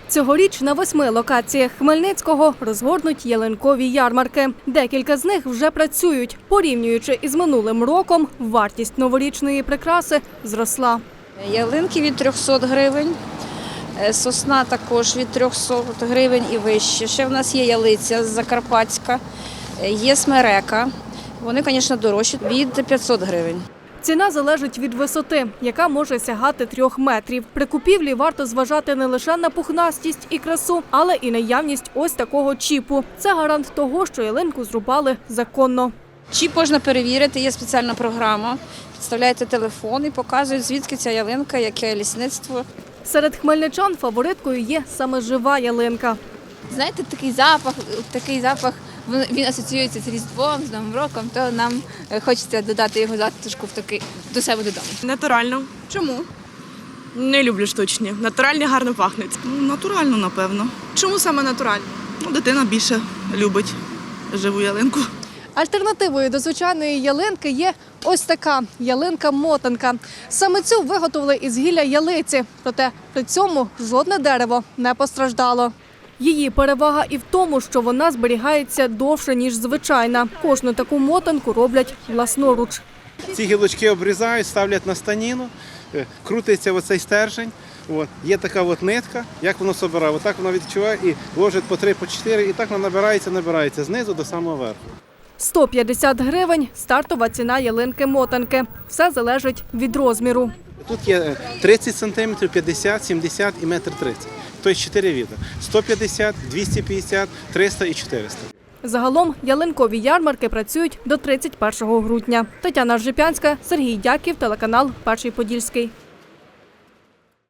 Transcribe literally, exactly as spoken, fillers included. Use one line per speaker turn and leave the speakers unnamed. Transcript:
Цьогоріч на восьми локаціях Хмельницького розгорнуть ялинкові ярмарки. Декілька з них вже працюють. Порівнюючи із минулим роком, вартість новорічної прикраси зросла.
Ялинки від трьохсот гривень, сосна також від трьохсот гривень і вище. Ще в нас є ялиця закарпатська, є смерека. Вони, звісно, дорожчі від п'ятсот гривень.
Ціна залежить від висоти, яка може сягати трьох метрів. При купівлі варто зважати не лише на пухнастість і красу, але і наявність ось такого чіпу. Це гарант того, що ялинку зрубали законно.
Чіп можна перевірити, є спеціальна програма. Підставляєте телефон і показують, звідки ця ялинка, яке лісництво.
Серед хмельничан фавориткою є саме жива ялинка.
Знаєте, такий запах, такий запах, він асоціюється з Різдвом, з Новим роком, то нам хочеться додати його затишку в такий, до себе додому.
Натурально.
Чому?
Не люблю штучні. Натуральні гарно пахнуть.
Натурально, напевно.
Чому саме натуральні?
Ну, дитина більше любить живу ялинку.
Альтернативою до звичайної ялинки є ось така ялинка-мотанка. Саме цю виготовили із гілля ялиці, проте при цьому жодне дерево не постраждало. Її перевага і в тому, що вона зберігається довше, ніж звичайна. Кожну таку мотанку роблять власноруч.
Ці гілочки обрізають, ставлять на станіну, крутиться оцей стержень. От. Є така от нитка, як воно собирає. Отак воно відчуває і ложить по три, по чотири, і так воно набирається, набирається знизу до самого верху.
сто п'ятдесят гривень – стартова ціна ялинки-мотанки. Все залежить від розміру.
Тут є тридцять сантиметрів, п'ятдесят, сімдесят і метр тридцять. Тобто чотири види. сто п'ятдесят, двісті п'ятдесят, триста і чотириста.
Загалом ялинкові ярмарки працюють до тридцять першого грудня. Тетяна Ржепянська, Сергій Дяків, телеканал «Перший Подільський».